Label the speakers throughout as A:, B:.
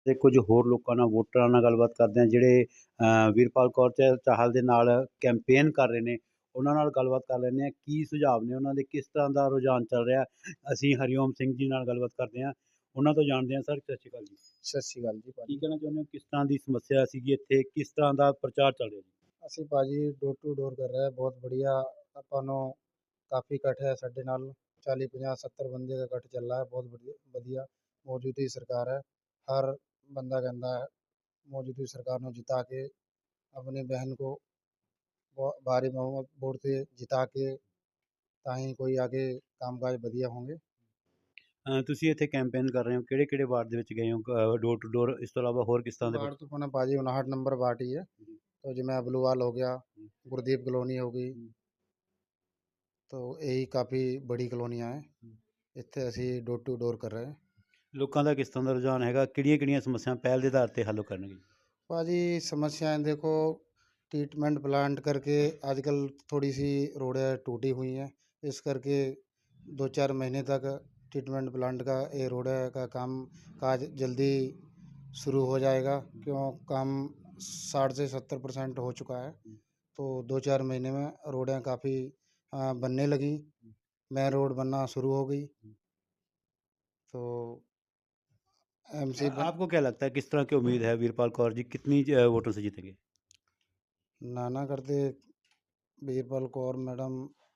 A: ਤੇ ਕੁਝ ਹੋਰ ਲੋਕਾਂ ਨਾਲ ਵੋਟਰਾਂ ਨਾਲ ਗੱਲਬਾਤ ਕਰਦੇ ਹਾਂ ਜਿਹੜੇ ਵੀਰਪਾਲ ਕੌਰ ਚਾਹਲ ਦੇ ਨਾਲ ਕੈਂਪੇਨ ਕਰ ਰਹੇ ਨੇ, ਉਹਨਾਂ ਨਾਲ ਗੱਲਬਾਤ ਕਰ ਲੈਂਦੇ ਹਾਂ। ਕੀ ਸੁਝਾਵ ਨੇ ਉਹਨਾਂ ਦੇ, ਕਿਸ ਤਰ੍ਹਾਂ ਦਾ ਰੁਝਾਨ ਚੱਲ ਰਿਹਾ। ਅਸੀਂ ਹਰੀਓਮ ਸਿੰਘ ਜੀ ਨਾਲ ਗੱਲਬਾਤ ਕਰਦੇ ਹਾਂ, ਉਹਨਾਂ ਤੋਂ ਜਾਣਦੇ ਹਾਂ। ਸਰ ਸਤਿ ਸ਼੍ਰੀ ਅਕਾਲ ਜੀ।
B: ਸਤਿ ਸ਼੍ਰੀ ਅਕਾਲ ਜੀ
A: ਕੀ
B: ਭਾਜੀ।
A: ਕਹਿਣਾ ਚਾਹੁੰਦੇ ਹੋ, ਕਿਸ ਤਰ੍ਹਾਂ ਦੀ ਸਮੱਸਿਆ ਸੀਗੀ ਇੱਥੇ, ਕਿਸ ਤਰ੍ਹਾਂ ਦਾ ਪ੍ਰਚਾਰ ਚੱਲ ਰਿਹਾ ਜੀ?
B: ਅਸੀਂ ਭਾਜੀ ਡੋਰ ਟੂ ਡੋਰ ਕਰ ਰਹੇ, ਬਹੁਤ ਵਧੀਆ। ਆਪਾਂ ਨੂੰ ਕਾਫੀ ਇਕੱਠ ਹੈ ਸਾਡੇ ਨਾਲ, 40 50 70 ਬੰਦੇ ਦਾ ਇਕੱਠ ਚੱਲ ਰਿਹਾ ਹੈ। ਬਹੁਤ ਵਧੀਆ ਮੌਜੂਦਾ ਸਰਕਾਰ ਹੈ। ਹਰ ਬੰਦਾ ਕਹਿੰਦਾ ਹੈ ਮੌਜੂਦਾ ਸਰਕਾਰ ਨੂੰ ਜਿਤਾ ਕੇ अपनी बहन को भारी बहुमत वोट से जिता के ताकि कोई आगे कामकाज बढ़िया होंगे।
A: ਤੁਸੀਂ ਇੱਥੇ ਕੈਂਪੇਨ ਕਰ ਰਹੇ ਹੋ, ਕਿਹੜੇ ਵਾਰਡ ਦੇ ਵਿੱਚ ਗਏ ਹੋ ਡੋਰ ਟੂ ਡੋਰ, ਇਸ ਤੋਂ ਇਲਾਵਾ ਹੋਰ ਕਿਸ ਤਰ੍ਹਾਂ ਦੇ?
B: वार्ड तो अपना भाजी 59 नंबर वार्ड ही है। तो जिमें अबलूवाल हो गया, गुरदीप कॉलोनी हो गई, तो यही काफ़ी बड़ी कॉलोनियाँ हैं। इतने असी डोर टू डोर कर रहे हैं।
A: ਲੋਕਾਂ ਦਾ ਕਿਸ ਤਰ੍ਹਾਂ ਦਾ ਰੁਝਾਨ ਹੈਗਾ, ਕਿਹੜੀਆਂ ਸਮੱਸਿਆ ਪਹਿਲ ਦੇ ਆਧਾਰ ਤੇ ਹੱਲ ਕਰਨਗੇ?
B: भाजी समस्याएं देखो, ट्रीटमेंट प्लांट करके आजकल थोड़ी सी रोडें टूटी हुई हैं, इस करके 2 4 महीने तक ट्रीटमेंट प्लांट का ये रोड का काम काज जल्दी शुरू हो जाएगा। क्यों काम 60 से 70% हो चुका है। तो 2 4 महीने में रोडें काफ़ी बनने लगी, मेन रोड बनना शुरू हो गई। तो एमसी
A: आपको क्या लगता है, किस तरह की उम्मीद है वीरपाल कौर जी कितनी वोटों से जीतेंगे?
B: नाना करते वीरपाल कौर मैडम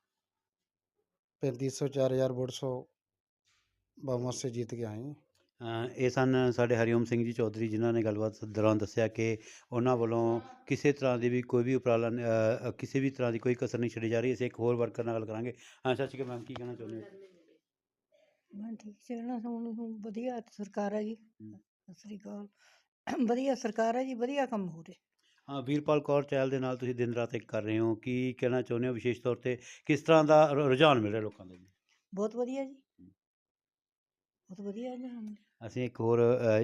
B: 3500 4000 वोट सौ बहुमत से जीत के आई।
A: ਇਹ ਸਨ ਸਾਡੇ ਹਰੀਓਮ ਸਿੰਘ ਜੀ ਚੌਧਰੀ, ਜਿਨ੍ਹਾਂ ਨੇ ਗੱਲਬਾਤ ਦੌਰਾਨ ਦੱਸਿਆ ਕਿ ਉਹਨਾਂ ਵੱਲੋਂ ਕਿਸੇ ਤਰ੍ਹਾਂ ਦੀ ਵੀ ਕੋਈ ਵੀ ਉਪਰਾਲਾ ਕਿਸੇ ਵੀ ਤਰ੍ਹਾਂ ਦੀ ਕੋਈ ਕਸਰ ਨਹੀਂ ਛੱਡੀ ਜਾ ਰਹੀ। ਅਸੀਂ ਇੱਕ ਹੋਰ ਵਰਕਰ ਨਾਲ ਗੱਲ ਕਰਾਂਗੇ। ਸਤਿ ਸ਼੍ਰੀ ਅਕਾਲ ਮੈਮ, ਕੀ ਕਹਿਣਾ ਚਾਹੁੰਦੇ ਹੋ?
C: ਮੈਂ ਠੀਕ ਚੱਲਣਾ, ਹੁਣ ਵਧੀਆ ਸਰਕਾਰ ਹੈ ਜੀ। ਸਤਿ ਸ਼੍ਰੀ ਅਕਾਲ। ਵਧੀਆ ਸਰਕਾਰ ਹੈ ਜੀ, ਵਧੀਆ ਕੰਮ ਹੋ ਰਿਹਾ।
A: ਹਾਂ, ਵੀਰਪਾਲ ਕੌਰ ਚਹਿਲ ਦੇ ਨਾਲ ਤੁਸੀਂ ਦਿਨ ਰਾਤ ਇੱਕ ਕਰ ਰਹੇ ਹੋ, ਕੀ ਕਹਿਣਾ ਚਾਹੁੰਦੇ ਹੋ ਵਿਸ਼ੇਸ਼ ਤੌਰ 'ਤੇ ਕਿਸ ਤਰ੍ਹਾਂ ਦਾ ਰੁਝਾਨ ਮਿਲ ਰਿਹਾ ਲੋਕਾਂ ਦਾ ਜੀ?
C: ਬਹੁਤ ਵਧੀਆ ਜੀ, ਬਹੁਤ ਵਧੀਆ ਜੀ।
A: ਅਸੀਂ ਇੱਕ ਹੋਰ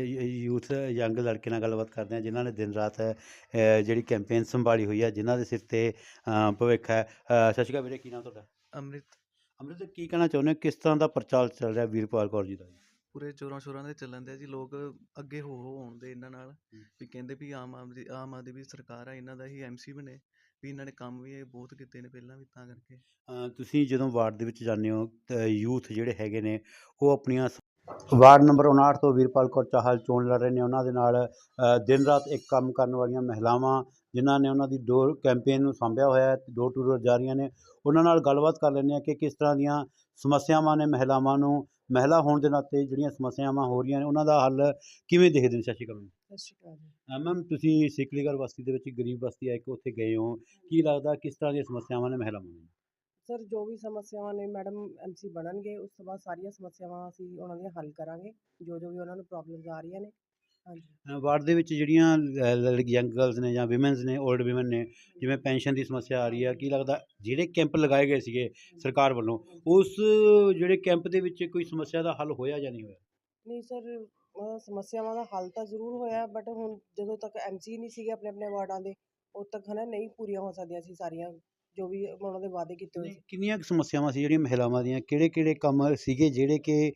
A: ਯੂਥ ਯੰਗ ਲੜਕੇ ਨਾਲ ਗੱਲਬਾਤ ਕਰਦੇ ਹਾਂ, ਜਿਨ੍ਹਾਂ ਨੇ ਦਿਨ ਰਾਤ ਜਿਹੜੀ ਕੈਂਪੇਨ ਸੰਭਾਲੀ ਹੋਈ ਹੈ, ਜਿਨ੍ਹਾਂ ਦੇ ਸਿਰ 'ਤੇ ਭਵਿੱਖ ਹੈ। ਸਤਿ ਸ਼੍ਰੀ ਅਕਾਲ ਵੀਰੇ, ਕੀ ਨਾਮ ਤੁਹਾਡਾ?
D: ਅੰਮ੍ਰਿਤ।
A: ਅੰਮ੍ਰਿਤ, ਕੀ ਕਹਿਣਾ ਚਾਹੁੰਦੇ ਹੋ, ਕਿਸ ਤਰ੍ਹਾਂ ਦਾ ਪ੍ਰਚਾਰ ਚੱਲ ਰਿਹਾ ਵੀਰਪਾਲ ਕੌਰ ਜੀ ਦਾ?
D: ਪੂਰੇ ਜ਼ੋਰਾਂ ਸ਼ੋਰਾਂ ਦੇ ਚੱਲਣ ਦੇ ਜੀ, ਲੋਕ ਅੱਗੇ ਹੋ ਆਉਂਦੇ ਇਹਨਾਂ ਨਾਲ ਵੀ ਕਹਿੰਦੇ ਵੀ ਆਮ ਆਦਮੀ ਸਰਕਾਰ ਆ, ਇਹਨਾਂ ਦਾ ਹੀ MC ਬਣੇ ਵੀ। ਇਹਨਾਂ ਨੇ ਕੰਮ ਵੀ ਇਹ ਬਹੁਤ ਕੀਤੇ ਨੇ ਪਹਿਲਾਂ ਵੀ, ਤਾਂ ਕਰਕੇ।
A: ਤੁਸੀਂ ਜਦੋਂ ਵਾਰਡ ਦੇ ਵਿੱਚ ਜਾਂਦੇ ਹੋ ਤਾਂ ਯੂਥ ਜਿਹੜੇ ਹੈਗੇ ਨੇ ਉਹ ਆਪਣੀਆਂ ਵਾਰਡ ਨੰਬਰ 59 ਤੋਂ ਵੀਰਪਾਲ ਕੌਰ ਚਾਹਲ ਚੋਣ ਲੜ ਰਹੇ ਨੇ, ਉਹਨਾਂ ਦੇ ਨਾਲ ਦਿਨ ਰਾਤ ਇੱਕ ਕੰਮ ਕਰਨ ਵਾਲੀਆਂ ਮਹਿਲਾਵਾਂ, ਜਿਨ੍ਹਾਂ ਨੇ ਉਹਨਾਂ ਦੀ ਡੋਰ ਕੈਂਪੇਨ ਨੂੰ ਸਾਂਭਿਆ ਹੋਇਆ ਹੈ, ਡੋਰ ਟੂ ਡੋਰ ਜਾ ਰਹੀਆਂ ਨੇ, ਉਹਨਾਂ ਨਾਲ ਗੱਲਬਾਤ ਕਰ ਲੈਂਦੇ ਹਾਂ ਕਿ ਕਿਸ ਤਰ੍ਹਾਂ ਦੀਆਂ ਸਮੱਸਿਆਵਾਂ ਨੇ ਮਹਿਲਾਵਾਂ ਨੂੰ, ਮਹਿਲਾ ਹੋਣ ਦੇ ਨਾਤੇ ਜਿਹੜੀਆਂ ਸਮੱਸਿਆਵਾਂ ਹੋ ਰਹੀਆਂ ਨੇ ਉਹਨਾਂ ਦਾ ਹੱਲ ਕਿਵੇਂ ਦੇਖਦੇ ਨੇ। ਸਤਿ ਸ਼੍ਰੀ ਅਕਾਲ।
C: ਸਤਿ ਸ਼੍ਰੀ ਅਕਾਲ ਜੀ।
A: ਮੈਮ, ਤੁਸੀਂ ਸਿਕਲੀਗੜ੍ਹ ਬਸਤੀ ਦੇ ਵਿੱਚ ਗਰੀਬ ਬਸਤੀ ਹੈ ਇੱਕ, ਉੱਥੇ ਗਏ ਹੋ, ਕੀ ਲੱਗਦਾ ਕਿਸ ਤਰ੍ਹਾਂ ਦੀਆਂ ਸਮੱਸਿਆਵਾਂ ਨੇ ਮਹਿਲਾਵਾਂ ਨੂੰ?
E: ਸਰ, ਜੋ ਵੀ ਸਮੱਸਿਆਵਾਂ ਨੇ ਮੈਡਮ MC ਬਣਨਗੇ, ਉਸ ਤੋਂ ਬਾਅਦ ਸਾਰੀਆਂ ਸਮੱਸਿਆਵਾਂ ਅਸੀਂ ਉਹਨਾਂ ਦੀਆਂ ਹੱਲ ਕਰਾਂਗੇ, ਜੋ ਵੀ ਉਹਨਾਂ ਨੂੰ ਪ੍ਰੋਬਲਮਸ ਆ ਰਹੀਆਂ ਨੇ। ਹਾਂਜੀ।
A: ਵਾਰਡ ਦੇ ਵਿੱਚ ਜਿਹੜੀਆਂ ਯੰਗ ਗਰਲਸ ਨੇ ਜਾਂ ਵਿਮਨਸ ਨੇ, ਓਲਡ ਵਿਮਨ ਨੇ, ਜਿਵੇਂ ਪੈਨਸ਼ਨ ਦੀ ਸਮੱਸਿਆ ਆ ਰਹੀ ਹੈ, ਕੀ ਲੱਗਦਾ ਜਿਹੜੇ ਕੈਂਪ ਲਗਾਏ ਗਏ ਸੀਗੇ ਸਰਕਾਰ ਵੱਲੋਂ, ਉਸ ਜਿਹੜੇ ਕੈਂਪ ਦੇ ਵਿੱਚ ਕੋਈ ਸਮੱਸਿਆ ਦਾ ਹੱਲ ਹੋਇਆ ਜਾਂ ਨਹੀਂ ਹੋਇਆ?
E: ਨਹੀਂ ਸਰ, ਸਮੱਸਿਆਵਾਂ ਦਾ ਹੱਲ ਤਾਂ ਜ਼ਰੂਰ ਹੋਇਆ, ਬਟ ਹੁਣ ਜਦੋਂ ਤੱਕ MC ਨਹੀਂ ਸੀਗੇ ਆਪਣੇ ਆਪਣੇ ਵਾਰਡਾਂ ਦੇ, ਉਦੋਂ ਤੱਕ ਹੈ ਨਾ ਨਹੀਂ ਪੂਰੀਆਂ ਹੋ ਸਕਦੀਆਂ ਸੀ ਸਾਰੀਆਂ ਜੋ ਵੀ ਉਹਨਾਂ ਦੇ ਵਾਅਦੇ ਕੀਤੇ ਹੋਏ ਸੀ।
A: ਕਿੰਨੀਆਂ ਕੁ ਸਮੱਸਿਆਵਾਂ ਸੀ ਜਿਹੜੀਆਂ ਮਹਿਲਾਵਾਂ ਦੀਆਂ, ਕਿਹੜੇ ਕੰਮ ਸੀਗੇ ਜਿਹੜੇ ਕਿ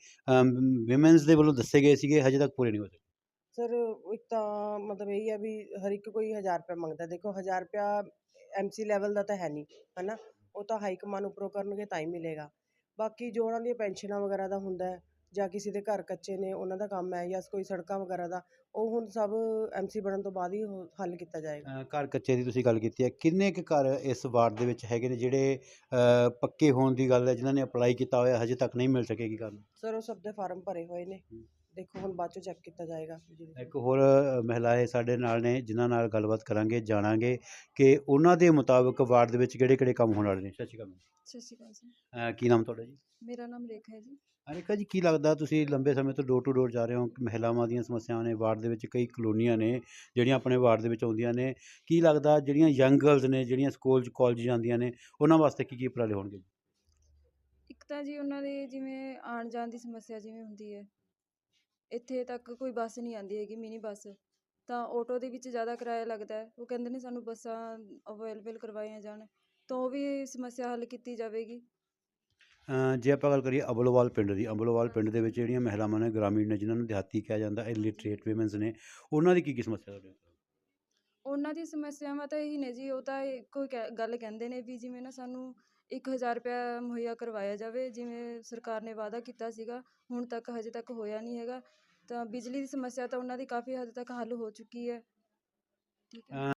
A: ਵਿਮਨਸ ਦੇ ਵੱਲੋਂ ਦੱਸੇ ਗਏ ਸੀਗੇ, ਹਜੇ ਤੱਕ ਪੂਰੇ ਨਹੀਂ ਹੋ ਸਕੇ?
E: ਸਰ, ਇੱਕ ਤਾਂ ਮਤਲਬ ਇਹੀ ਹੈ ਵੀ ਹਰ ਇੱਕ ਕੋਈ 1000 ਰੁਪਇਆ ਮੰਗਦਾ। ਦੇਖੋ 1000 ਰੁਪਇਆ MC ਲੈਵਲ ਦਾ ਤਾਂ ਹੈ ਨਹੀਂ, ਹੈ ਨਾ, ਉਹ ਤਾਂ ਹਾਈ ਕਮਾਨ ਉੱਪਰੋਂ ਕਰਨਗੇ ਤਾਂ ਹੀ ਮਿਲੇਗਾ। ਬਾਕੀ ਜੋ ਉਹਨਾਂ ਦੀਆਂ ਪੈਨਸ਼ਨਾਂ ਵਗੈਰਾ ਦਾ ਹੁੰਦਾ ਹੈ, ਜਾਂ ਕਿਸੇ ਦੇ ਘਰ ਕੱਚੇ ਨੇ ਉਹਨਾਂ ਦਾ ਕੰਮ ਹੈ, ਜਾਂ ਕੋਈ ਸੜਕਾਂ ਵਗੈਰਾ ਦਾ, ਉਹ ਹੁਣ ਸਭ MC ਬਣਨ ਤੋਂ ਬਾਅਦ ਹੀ ਹੱਲ ਕੀਤਾ ਜਾਏਗਾ।
A: ਘਰ ਕੱਚੇ ਦੀ ਤੁਸੀਂ ਗੱਲ ਕੀਤੀ ਹੈ, ਕਿੰਨੇ ਕੁ ਘਰ ਇਸ ਵਾਰਡ ਦੇ ਵਿੱਚ ਹੈਗੇ ਨੇ ਜਿਹੜੇ ਪੱਕੇ ਹੋਣ ਦੀ ਗੱਲ ਹੈ, ਜਿਨ੍ਹਾਂ ਨੇ ਅਪਲਾਈ ਕੀਤਾ ਹੋਇਆ ਹਜੇ ਤੱਕ ਨਹੀਂ ਮਿਲ ਸਕੇਗੀ ਘਰ?
E: ਸਰ, ਉਹ ਸਭ ਦੇ ਫਾਰਮ ਭਰੇ ਹੋਏ ਨੇ, ਦੇਖੋ ਹੁਣ ਬਾਅਦ 'ਚੋਂ ਚੈੱਕ ਕੀਤਾ ਜਾਏਗਾ।
A: ਇੱਕ ਹੋਰ ਮਹਿਲਾਏ ਸਾਡੇ ਨਾਲ ਨੇ, ਜਿਨ੍ਹਾਂ ਨਾਲ ਗੱਲਬਾਤ ਕਰਾਂਗੇ, ਜਾਣਾਂਗੇ ਕਿ ਉਹਨਾਂ ਦੇ ਮੁਤਾਬਕ ਵਾਰਡ ਦੇ ਵਿੱਚ ਕਿਹੜੇ ਕੰਮ ਹੋਣ ਵਾਲੇ ਨੇ। ਸਤਿ ਸ਼੍ਰੀ ਅਕਾਲ।
F: ਸਤਿ ਸ਼੍ਰੀ ਅਕਾਲ ਜੀ।
A: ਕੀ ਨਾਮ ਤੁਹਾਡਾ ਜੀ?
F: ਮੇਰਾ ਨਾਮ ਰੇਖਾ ਹੈ ਜੀ।
A: ਰੇਖਾ ਜੀ, ਕੀ ਲੱਗਦਾ ਤੁਸੀਂ ਲੰਬੇ ਸਮੇਂ ਤੋਂ ਡੋਰ ਟੂ ਡੋਰ ਜਾ ਰਹੇ ਹੋ, ਮਹਿਲਾਵਾਂ ਦੀਆਂ ਸਮੱਸਿਆਵਾਂ ਨੇ ਵਾਰਡ ਦੇ ਵਿੱਚ, ਕਈ ਕਲੋਨੀਆਂ ਨੇ ਜਿਹੜੀਆਂ ਆਪਣੇ ਵਾਰਡ ਦੇ ਵਿੱਚ ਆਉਂਦੀਆਂ ਨੇ, ਕੀ ਲੱਗਦਾ ਜਿਹੜੀਆਂ ਯੰਗ ਗਰਲਸ ਨੇ ਜਿਹੜੀਆਂ ਸਕੂਲ 'ਚ ਕਾਲਜ ਜਾਂਦੀਆਂ ਨੇ, ਉਹਨਾਂ ਵਾਸਤੇ ਕੀ ਉਪਰਾਲੇ ਹੋਣਗੇ?
F: ਇੱਕ ਤਾਂ ਜੀ ਉਹਨਾਂ ਦੇ ਜਿਵੇਂ ਆਉਣ ਜਾਣ ਦੀ ਸਮੱਸਿਆ ਜਿਵੇਂ ਹੁੰਦੀ ਹੈ, ਇੱਥੇ ਤੱਕ ਕੋਈ ਬੱਸ ਨਹੀਂ ਆਉਂਦੀ ਹੈਗੀ, ਮਿਨੀ ਬੱਸ, ਤਾਂ ਆਟੋ ਦੇ ਵਿੱਚ ਜ਼ਿਆਦਾ ਕਿਰਾਇਆ ਲੱਗਦਾ ਹੈ। ਉਹ ਕਹਿੰਦੇ ਨੇ ਸਾਨੂੰ ਬੱਸਾਂ ਅਵੇਲੇਬਲ ਕਰਵਾਈਆਂ ਜਾਣ, ਤਾਂ ਉਹ ਵੀ ਸਮੱਸਿਆ ਹੱਲ ਕੀਤੀ ਜਾਵੇਗੀ।
A: ਜੇ ਆਪਾਂ ਗੱਲ ਕਰੀਏ ਅਬਲੋਵਾਲ ਪਿੰਡ ਦੀ, ਅਬਲੋਵਾਲ ਪਿੰਡ ਦੇ ਵਿੱਚ ਜਿਹੜੀਆਂ ਮਹਿਲਾਵਾਂ ਨੇ, ਗ੍ਰਾਮੀਣ ਨੇ, ਜਿਨ੍ਹਾਂ ਨੂੰ ਦਿਹਾਤੀ ਕਿਹਾ ਜਾਂਦਾ, ਇਲਿਟਰੇਟ ਵੂਮਨਸ ਨੇ, ਉਹਨਾਂ ਦੀ ਕੀ ਸਮੱਸਿਆ ਤੁਹਾਡੇ ਕੋਲ?
F: ਉਹਨਾਂ ਦੀ ਸਮੱਸਿਆਵਾਂ ਤਾਂ ਇਹੀ ਨੇ ਜੀ, ਉਹ ਤਾਂ ਇੱਕੋ ਹੀ ਗੱਲ ਕਹਿੰਦੇ ਨੇ ਵੀ ਜਿਵੇਂ ਨਾ ਸਾਨੂੰ 1000 ਰੁਪਇਆ ਮੁਹੱਈਆ ਕਰਵਾਇਆ ਜਾਵੇ, ਜਿਵੇਂ ਸਰਕਾਰ ਨੇ ਵਾਅਦਾ ਕੀਤਾ ਸੀਗਾ, ਹੁਣ ਤੱਕ ਹਜੇ ਤੱਕ ਹੋਇਆ ਨਹੀਂ ਹੈਗਾ। ਤਾਂ ਬਿਜਲੀ ਦੀ ਸਮੱਸਿਆ ਤਾਂ ਉਹਨਾਂ ਦੀ ਕਾਫੀ ਹੱਦ ਤੱਕ ਹੱਲ ਹੋ ਚੁੱਕੀ ਹੈ। ਠੀਕ ਹੈ।